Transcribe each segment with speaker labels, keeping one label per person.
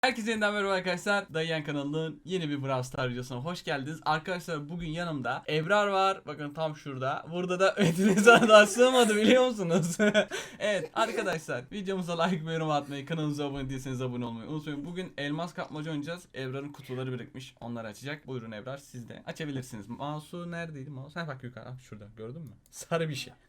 Speaker 1: Herkese yeniden merhaba arkadaşlar. Dayıyan kanalının yeni bir Brawl Stars videosuna hoş geldiniz. Arkadaşlar bugün yanımda Ebrar var. Bakın tam şurada. Burada da Metin'e daha sığmadı biliyor musunuz? Evet arkadaşlar videomuza like ve yorum atmayı, kanalımıza abone değilseniz abone olmayı unutmayın. Bugün elmas kapmaca oynayacağız. Ebrar'ın kutuları birikmiş. Onları açacak. Buyurun Ebrar, siz de açabilirsiniz. Mouse'u neredeydi? Mouse. Bak yukarı. Şurada. Gördün mü? Sarı bir şey.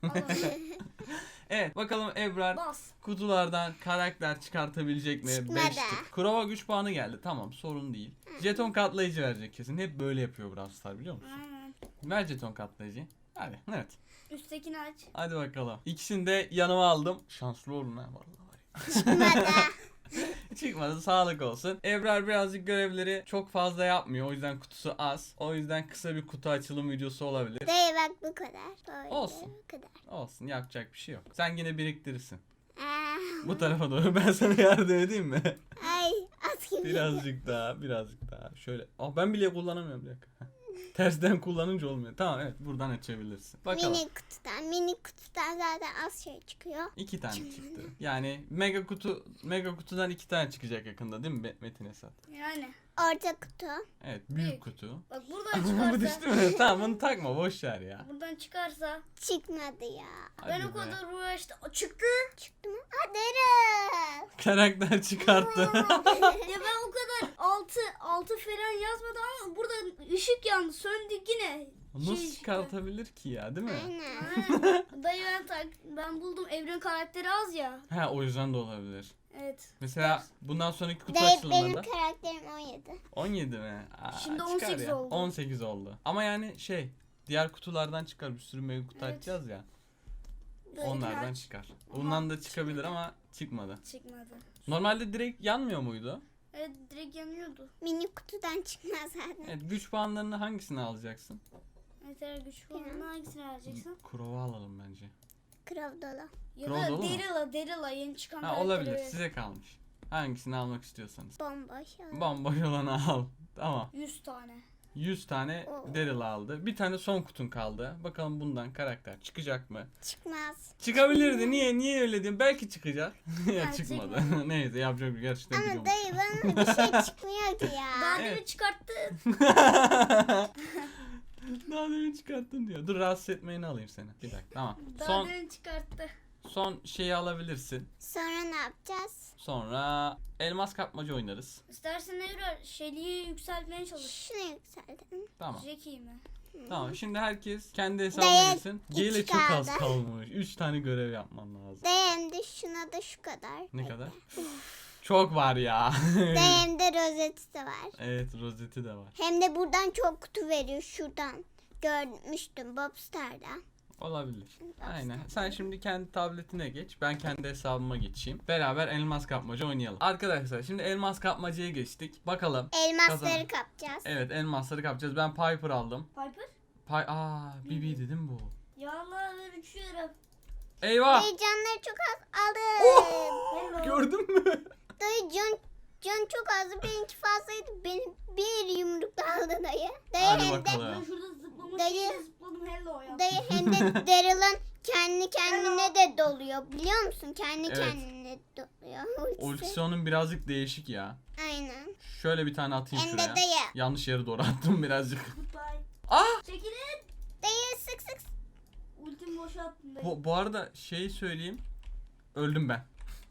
Speaker 1: Evet bakalım Ebrar kutulardan karakter çıkartabilecek mi?
Speaker 2: Çıkmadı.
Speaker 1: 5 tık. Kurova güç puanı geldi. Tamam, sorun değil. Jeton katlayıcı verecek kesin. Hep böyle yapıyor Brawl Stars, biliyor musun? Ver jeton katlayıcı. Hadi evet.
Speaker 2: Üsttekini aç.
Speaker 1: Hadi bakalım. İkisini de yanıma aldım. Şanslı olun ha vallahi.
Speaker 2: Çıkmadı.
Speaker 1: Çıkmadı, sağlık olsun. Ebrar birazcık görevleri çok fazla yapmıyor. O yüzden kutusu az. O yüzden kısa bir kutu açılım videosu olabilir.
Speaker 2: Dayı bak bu kadar. Böyle
Speaker 1: Olsun.
Speaker 2: Bu kadar.
Speaker 1: Olsun, yapacak bir şey yok. Sen yine biriktirirsin.
Speaker 2: Aa,
Speaker 1: Bu tarafa doğru ben sana yardım edeyim mi?
Speaker 2: ay at gibi.
Speaker 1: Birazcık daha. Şöyle. Ben bile kullanamıyorum, bir dakika. Tersten kullanınca olmuyor. Tamam evet, buradan açabilirsin. Bakalım.
Speaker 2: Mini kutudan zaten az şey çıkıyor.
Speaker 1: 2 tane çıktı. Yani mega kutudan 2 tane çıkacak yakında, değil mi Metin Esat?
Speaker 2: Yani. Orta kutu.
Speaker 1: Evet, büyük kutu.
Speaker 2: Bak buradan
Speaker 1: Bu
Speaker 2: çıkarsa.
Speaker 1: düştü mü? Tamam, bunu takma, boş ver ya.
Speaker 2: Buradan çıkarsa. Çıkmadı ya.
Speaker 1: Hadi
Speaker 2: Ben
Speaker 1: be.
Speaker 2: o kadar uğraştım. Çıktı. Çıktı mı? Daryl.
Speaker 1: Karakter çıkarttı.
Speaker 2: Ya ben o kadar altı falan yazmadım ama burada ışık yandı. Söndü yine.
Speaker 1: Nasıl çıkartabilir ki ya, değil mi?
Speaker 2: Aynen. Dayı ben buldum, evren karakteri az ya.
Speaker 1: Ha, o yüzden de olabilir.
Speaker 2: Evet.
Speaker 1: Mesela bundan sonraki kutu
Speaker 2: Benim
Speaker 1: açılımlarında
Speaker 2: karakterim 17.
Speaker 1: 17 mi?
Speaker 2: Şimdi
Speaker 1: çıkar
Speaker 2: 18
Speaker 1: ya.
Speaker 2: oldu.
Speaker 1: 18 oldu. Ama yani diğer kutulardan çıkar, bir sürü mega kutu
Speaker 2: Evet.
Speaker 1: açacağız ya.
Speaker 2: Dayı
Speaker 1: Onlardan
Speaker 2: kaç?
Speaker 1: çıkar. Bundan da çıkabilir ama çıkmadı.
Speaker 2: Çıkmadı.
Speaker 1: Normalde direkt yanmıyor muydu?
Speaker 2: Evet, direkt yanıyordu. Mini kutudan çıkmaz zaten.
Speaker 1: Evet, güç puanlarını hangisini alacaksın?
Speaker 2: Yeter güç puanını hangisini vereceksin?
Speaker 1: Kurova alalım bence.
Speaker 2: Krav dolu. Ya
Speaker 1: Krav
Speaker 2: da
Speaker 1: dolu mu?
Speaker 2: Daryl'a yeni çıkan
Speaker 1: Ha,
Speaker 2: karakteri
Speaker 1: olabilir,
Speaker 2: ver.
Speaker 1: size kalmış. Hangisini almak istiyorsanız.
Speaker 2: Bomboş.
Speaker 1: Bomboş olanı al. Tamam.
Speaker 2: 100 tane.
Speaker 1: 100 tane Daryl aldı. Bir tane son kutun kaldı. Bakalım bundan karakter çıkacak mı?
Speaker 2: Çıkmaz.
Speaker 1: Çıkabilirdi. Niye öyle diyorsun? Belki çıkacak. Ya
Speaker 2: Ha,
Speaker 1: çıkmadı.
Speaker 2: çıkmadı.
Speaker 1: Neyse, yapacak bir gerçekten
Speaker 2: Ama
Speaker 1: biliyorum.
Speaker 2: dayı bana bir şey çıkmıyor ki ya. Daha
Speaker 1: Evet.
Speaker 2: demin çıkarttın.
Speaker 1: Daha demin çıkarttın diyor. Dur, rahatsız etmeyini alayım seni. Bir dakika, tamam.
Speaker 2: Daha demin çıkarttı.
Speaker 1: Son şeyi alabilirsin.
Speaker 2: Sonra ne yapacağız?
Speaker 1: Sonra elmas kapmaca oynarız.
Speaker 2: İstersen Evra şeyliği yükseltmeye çalış. Şunu yükseltelim.
Speaker 1: Tamam.
Speaker 2: Jackie mi?
Speaker 1: Tamam. Şimdi herkes kendi hesabına
Speaker 2: Dayı,
Speaker 1: girsin.
Speaker 2: hiç
Speaker 1: G'yle çok az
Speaker 2: kaldı.
Speaker 1: kalmış. 3 tane görev yapman lazım.
Speaker 2: Dayım şuna da şu kadar.
Speaker 1: Ne kadar? Çok var ya.
Speaker 2: Dayım rozeti de var.
Speaker 1: Evet, rozeti de var.
Speaker 2: Hem de buradan çok kutu veriyor şuradan. Görmüştüm Bobstar'dan.
Speaker 1: Olabilir. Aynen. Sen şimdi kendi tabletine geç. Ben kendi hesabıma geçeyim. Beraber elmas kapmaca oynayalım. Arkadaşlar şimdi elmas kapmacaya geçtik. Bakalım.
Speaker 2: Elmasları kapacağız.
Speaker 1: Evet, elmasları kapacağız. Ben Piper aldım.
Speaker 2: Piper?
Speaker 1: Bibi dedim bu.
Speaker 2: Ya Allah, ben uçuyorum.
Speaker 1: Eyvah.
Speaker 2: Dayı canları çok az aldım. Hello.
Speaker 1: Gördün mü?
Speaker 2: Dayı can çok azdı. Benimki fazlaydı. Benim bir yumrukla aldı dayı. Dayı
Speaker 1: Hadi
Speaker 2: hem de
Speaker 1: bakalım.
Speaker 2: şurada zıpladım hello ya. Dayı hem de Daryl'ın kendi kendine de doluyor. Biliyor musun? Kendi
Speaker 1: Evet.
Speaker 2: kendine doluyor.
Speaker 1: Ultisi onun birazcık değişik ya.
Speaker 2: Aynen.
Speaker 1: Şöyle bir tane atayım
Speaker 2: Hem de
Speaker 1: şuraya.
Speaker 2: dayı.
Speaker 1: Yanlış yere doğru attım birazcık.
Speaker 2: Çekilin. Dayı sık. Ultimi boşalttım dayı.
Speaker 1: Bu arada söyleyeyim. Öldüm ben.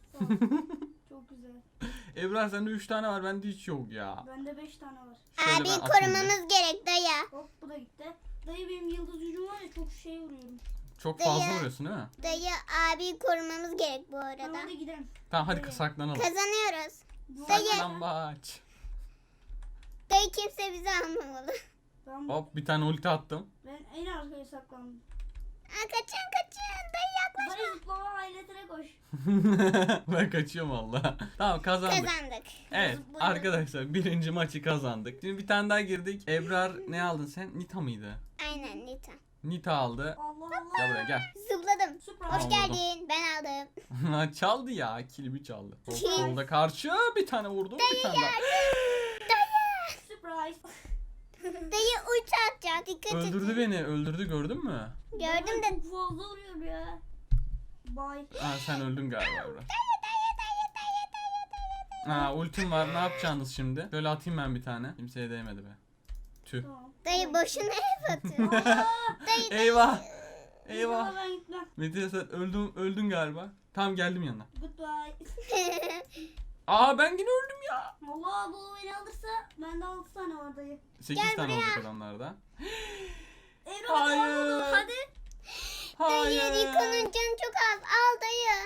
Speaker 2: Çok güzel.
Speaker 1: Ebrar sende 3 tane var, bende hiç yok ya.
Speaker 2: Bende 5 tane var.
Speaker 1: Şöyle
Speaker 2: Abi
Speaker 1: ben atayım
Speaker 2: korumamız gerek dayı.
Speaker 3: Hop, bu da gitti. Dayı benim yıldız gücüm var ya, çok şey vuruyorum.
Speaker 1: Çok
Speaker 2: Dayı.
Speaker 1: fazla vuruyorsun değil mi?
Speaker 2: Dayı abi korumamız gerek bu
Speaker 3: Tamam,
Speaker 2: arada.
Speaker 3: hadi gidelim.
Speaker 1: Tamam hadi saklanalım.
Speaker 2: Kazanıyoruz. Dayı.
Speaker 1: Saklambaç.
Speaker 2: Dayı kimse bizi almamalı.
Speaker 1: Hop, bir tane ulti attım.
Speaker 3: Ben en arkaya saklandım.
Speaker 2: Kaçın. Dayı yaklaş.
Speaker 3: Dayı zıplama aletine koş.
Speaker 1: Ben kaçıyorum valla. Tamam, kazandık.
Speaker 2: Kazandık.
Speaker 1: Evet
Speaker 2: Zıplayın.
Speaker 1: arkadaşlar, birinci maçı kazandık. Şimdi bir tane daha girdik. Ebrar ne aldın sen? Nita mıydı?
Speaker 2: Aynen Nita.
Speaker 1: Nita aldı.
Speaker 3: Allah
Speaker 1: Gel
Speaker 3: Allah.
Speaker 1: buraya gel.
Speaker 2: Zıpladım.
Speaker 3: Surprise.
Speaker 2: Hoş
Speaker 1: Tamam,
Speaker 2: geldin. Ben aldım.
Speaker 1: Çaldı ya. Kilimi çaldı.
Speaker 2: Kim?
Speaker 1: Solda karşı bir tane vurdu. Bir tane daha.
Speaker 3: Surprise.
Speaker 2: Dayı ulti atacak. Dikkat et.
Speaker 1: Öldürdü beni. Öldürdü, gördün mü?
Speaker 2: Gördüm de.
Speaker 3: Çok fazla vuruyor ya. Bye.
Speaker 1: Ha, sen öldün galiba Ebrar. Ha, ultim var. Ne yapacaksınız şimdi? Şöyle atayım ben bir tane. Kimseye değmedi be. Tüh.
Speaker 3: Tamam.
Speaker 2: Dayı boşuna hep atıyor. Dayı
Speaker 1: Eyvah.
Speaker 3: İnşallah
Speaker 1: Eyvah.
Speaker 3: ben gitmem.
Speaker 1: Metin sen öldün galiba. Tamam geldim yanına.
Speaker 3: Goodbye.
Speaker 1: Aa ben yine öldüm ya.
Speaker 3: Allah bu beni alırsa bende 6 tane var dayı.
Speaker 1: 8
Speaker 2: Gel
Speaker 1: tane
Speaker 2: buraya.
Speaker 1: olacak adamlarda.
Speaker 3: Evren
Speaker 1: Hayır.
Speaker 3: hadi.
Speaker 2: Dayı
Speaker 1: Hayır.
Speaker 2: Rico'nun canı çok az. Al dayı.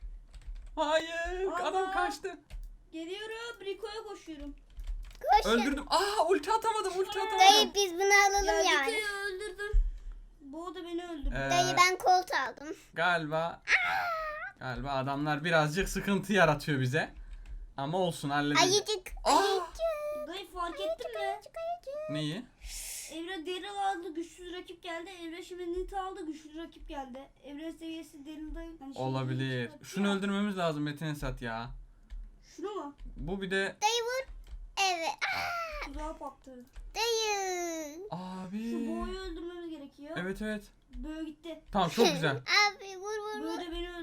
Speaker 1: Hayır.
Speaker 3: Allah.
Speaker 1: Adam kaçtı.
Speaker 3: Geliyorum. Rico'ya koşuyorum.
Speaker 2: Koşun.
Speaker 1: Öldürdüm. Aa ulti atamadım. Ulti atamadım.
Speaker 2: Dayı biz bunu alalım
Speaker 3: Ya
Speaker 2: yani.
Speaker 3: Rico'yu öldürdüm. Bu da beni öldürdü.
Speaker 2: Dayı ben kolt aldım.
Speaker 1: Galiba adamlar birazcık sıkıntı yaratıyor bize. Ama olsun halledeceğiz.
Speaker 2: Ayıcık.
Speaker 1: Aa!
Speaker 2: Ayıcık.
Speaker 3: Dayı fark ettin mi?
Speaker 2: Ayıcık.
Speaker 1: Neyi?
Speaker 3: Evren Daryl aldı, güçsüz rakip geldi. Evren şimdi Nita aldı, güçlü rakip geldi. Evren seviyesi Daryl'da hani şey
Speaker 1: Olabilir.
Speaker 3: çıkarttı
Speaker 1: Şunu
Speaker 3: ya.
Speaker 1: öldürmemiz lazım Metin Esat ya.
Speaker 3: Şunu mu?
Speaker 1: Bu bir de
Speaker 2: Dayı vur. Evet.
Speaker 3: Tuzağa pattı.
Speaker 2: Dayı.
Speaker 3: Şu
Speaker 1: abi.
Speaker 3: boğayı öldürmemiz gerekiyor.
Speaker 1: Evet evet.
Speaker 3: Böyle gitti.
Speaker 1: Tamam çok güzel.
Speaker 2: Abi vur vur vur.
Speaker 3: Böyle beni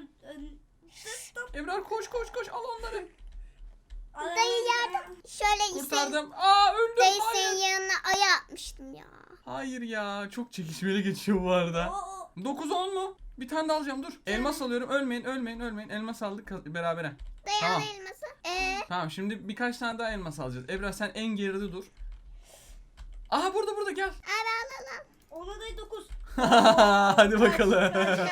Speaker 1: Ebrar koş al onları.
Speaker 2: Dayı yardım. Şöyle sen,
Speaker 1: Kurtardım. Aa öldüm.
Speaker 2: dayı
Speaker 1: Hayır.
Speaker 2: senin yanına aya atmıştım ya.
Speaker 1: Hayır ya. Çok çekişmeli geçiyor bu arada.
Speaker 3: Aa,
Speaker 1: 9-10 mu? Bir tane daha alacağım dur. Elmas alıyorum. Ölmeyin. Elmas aldık berabere.
Speaker 2: Dayı
Speaker 1: Tamam.
Speaker 2: al elması.
Speaker 1: Tamam şimdi birkaç tane daha elmas alacağız. Ebrar sen en geride dur. Aha burada gel.
Speaker 2: Abi al.
Speaker 3: ona da 9.
Speaker 1: Hadi bakalım.
Speaker 3: Kaç.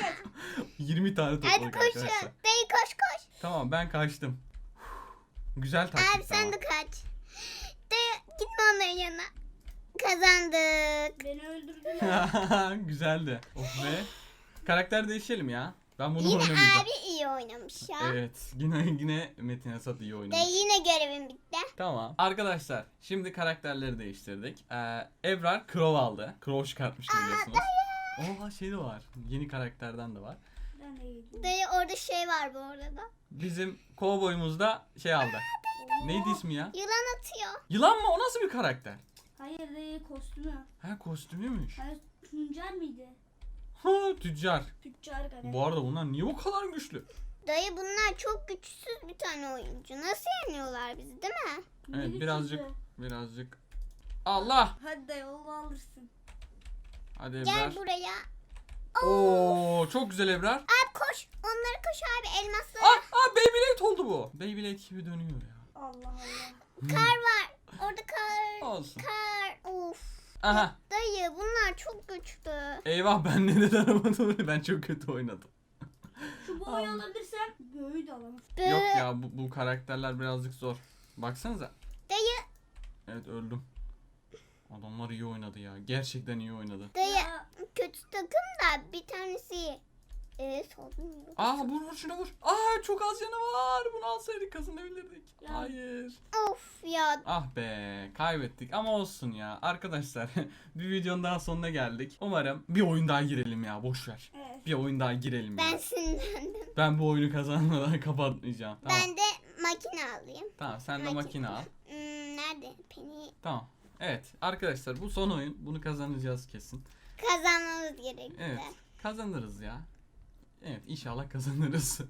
Speaker 1: 20 tane
Speaker 2: Hadi
Speaker 1: topladık
Speaker 2: koş.
Speaker 1: arkadaşlar.
Speaker 2: Dayı koş.
Speaker 1: Tamam ben kaçtım. Güzel taktik
Speaker 2: Abi sen
Speaker 1: tamam.
Speaker 2: de kaç. Dayı gitme onların yanına. Kazandık.
Speaker 3: Beni öldürdüler.
Speaker 1: Güzeldi. Of be. Karakter değişelim ya. Ben bunu
Speaker 2: Yine
Speaker 1: oynamayacağım.
Speaker 2: abi iyi oynamış ya.
Speaker 1: Evet. Yine Metin Esat iyi oynamış.
Speaker 2: Dayı yine görevim bitti.
Speaker 1: Tamam. Arkadaşlar şimdi karakterleri değiştirdik. Ebrar Crow aldı. Crow çıkartmıştı biliyorsunuz. Oha şey de var. Yeni karakterden de var.
Speaker 3: Ben de yedim.
Speaker 2: Dayı orada şey var bu arada.
Speaker 1: Bizim kovboyumuz da şey aldı. Neydi ismi ya?
Speaker 2: Yılan atıyor.
Speaker 1: Yılan mı? O nasıl bir karakter?
Speaker 3: Hayır dayı kostümü.
Speaker 1: Ha kostümüymüş.
Speaker 3: Hayır tüccar mıydı?
Speaker 1: Ha tüccar.
Speaker 3: Tüccar galiba.
Speaker 1: Bu arada bunlar niye bu kadar güçlü?
Speaker 2: Dayı bunlar çok güçsüz bir tane oyuncu. Nasıl yeniyorlar bizi değil mi?
Speaker 3: Ne
Speaker 1: Evet
Speaker 3: güçsüzü.
Speaker 1: birazcık. Allah.
Speaker 3: Hadi dayı onu alırsın.
Speaker 1: Hadi Ebrar.
Speaker 2: Gel buraya.
Speaker 1: Oo çok güzel Ebrar.
Speaker 2: Abi koş. Onları koş abi elmaslara.
Speaker 1: Beyblade oldu bu. Beyblade gibi dönüyor ya.
Speaker 3: Allah Allah.
Speaker 2: Kar var. Orada kar.
Speaker 1: Olsun.
Speaker 2: Kar. Of.
Speaker 1: Aha.
Speaker 2: Dayı bunlar çok güçlü.
Speaker 1: Eyvah ben neden alamadım? Ben çok kötü oynadım.
Speaker 3: Şu boyu alabilirsem göğü de alamam.
Speaker 1: Yok ya bu karakterler birazcık zor. Baksanıza.
Speaker 2: Dayı.
Speaker 1: Evet öldüm. Adamlar iyi oynadı ya. Gerçekten iyi oynadı.
Speaker 2: Dayı
Speaker 3: Ya,
Speaker 2: kötü takım da bir tanesi. Solmuyor.
Speaker 1: Vur şuna vur. Çok az canı var. Bunu alsaydık kazanabilirdik.
Speaker 3: Ya.
Speaker 1: Hayır.
Speaker 2: Of ya.
Speaker 1: Ah be kaybettik ama olsun ya. Arkadaşlar bir videonun daha sonuna geldik. Umarım bir oyun daha girelim ya boş ver.
Speaker 3: evet.
Speaker 1: Bir oyun daha girelim
Speaker 2: Ben
Speaker 1: ya.
Speaker 2: sinirlendim.
Speaker 1: Ben bu oyunu kazanmadan kapatmayacağım. Tamam.
Speaker 2: Ben de makine alayım.
Speaker 1: Tamam sen de makine al.
Speaker 2: Nerede? Penny
Speaker 1: Tamam. Evet arkadaşlar bu son oyun. Bunu kazanacağız kesin.
Speaker 2: kazanmamız gerekti.
Speaker 1: Evet kazanırız ya. Evet inşallah kazanırız.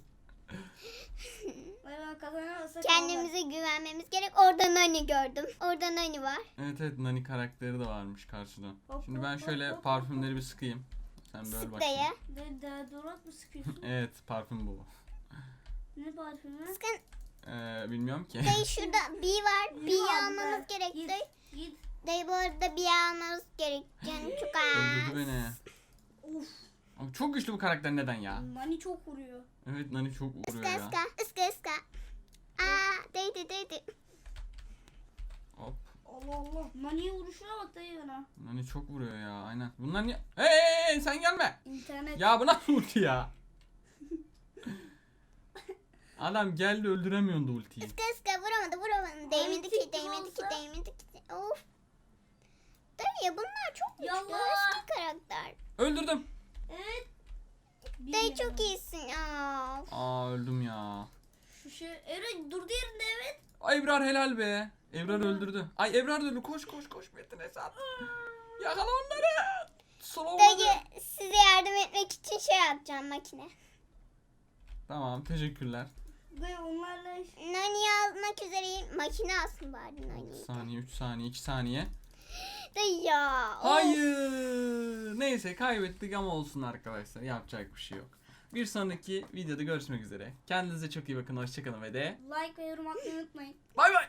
Speaker 3: Ben kazanamazsak
Speaker 2: Kendimize güvenmemiz gerek. Orada Nani gördüm. Orada Nani var.
Speaker 1: Evet Nani karakteri de varmış karşıdan.
Speaker 3: Hop,
Speaker 1: Şimdi ben
Speaker 3: hop,
Speaker 1: şöyle
Speaker 3: hop,
Speaker 1: parfümleri bir sıkayım. Sen böyle
Speaker 2: Sık
Speaker 1: bak.
Speaker 2: dayı.
Speaker 3: De deodorant mı sıkıyorsun?
Speaker 1: Evet parfüm bu.
Speaker 3: Ne parfümü?
Speaker 2: Sıkın.
Speaker 1: Bilmiyorum ki.
Speaker 2: Dayı şurada bir var.
Speaker 3: Yürü
Speaker 2: Bir
Speaker 3: abi
Speaker 2: almamız
Speaker 3: be.
Speaker 2: gerek.
Speaker 3: Git,
Speaker 2: Dayı.
Speaker 3: git.
Speaker 2: Dayı bu arada bir almamız gerek. Canım çok az.
Speaker 1: Öldürdü beni.
Speaker 3: Of.
Speaker 1: Ama çok güçlü bu karakter neden ya?
Speaker 3: Nani çok vuruyor.
Speaker 1: Evet Nani çok vuruyor
Speaker 2: Iska
Speaker 1: ya.
Speaker 2: ıska. Iska ıska. Değdi.
Speaker 1: Hop.
Speaker 3: Allah Allah. Nani'ye vuruşuna bak dayı bana.
Speaker 1: Nani çok vuruyor ya aynen. Bunlar niye? Hey sen gelme.
Speaker 3: İnternet.
Speaker 1: Ya bu nasıl ulti ya? Adam geldi öldüremiyordu ultiyi.
Speaker 2: Iska ıska vuramadı. Değmedi ki. Of. Dayı bunlar çok güçlü.
Speaker 3: Yallah.
Speaker 2: Eski karakter.
Speaker 1: Öldürdüm.
Speaker 3: Evet.
Speaker 2: Dayı çok iyisin ya.
Speaker 1: Öldüm ya.
Speaker 3: Şu şey. Evet durdu yerinde evet.
Speaker 1: Ay Ebrar helal be. Ebrar öldürdü. Ay Ebrar öldü. Koş Metin Esat. Yakala onları. Slow
Speaker 2: Dayı size yardım etmek için şey yapacağım makine.
Speaker 1: Tamam teşekkürler.
Speaker 3: Dayı onlarla
Speaker 2: Nani'yi almak üzereyim. Makine alsın bari
Speaker 1: 3
Speaker 2: Nani'yi.
Speaker 1: saniye, 3 saniye, 2 saniye.
Speaker 2: Dayı ya. of.
Speaker 1: Hayır. Neyse kaybettik ama olsun arkadaşlar. Yapacak bir şey yok. Bir sonraki videoda görüşmek üzere. Kendinize çok iyi bakın. Hoşçakalın ve de
Speaker 3: like ve yorum atmayı unutmayın.
Speaker 1: bay bay.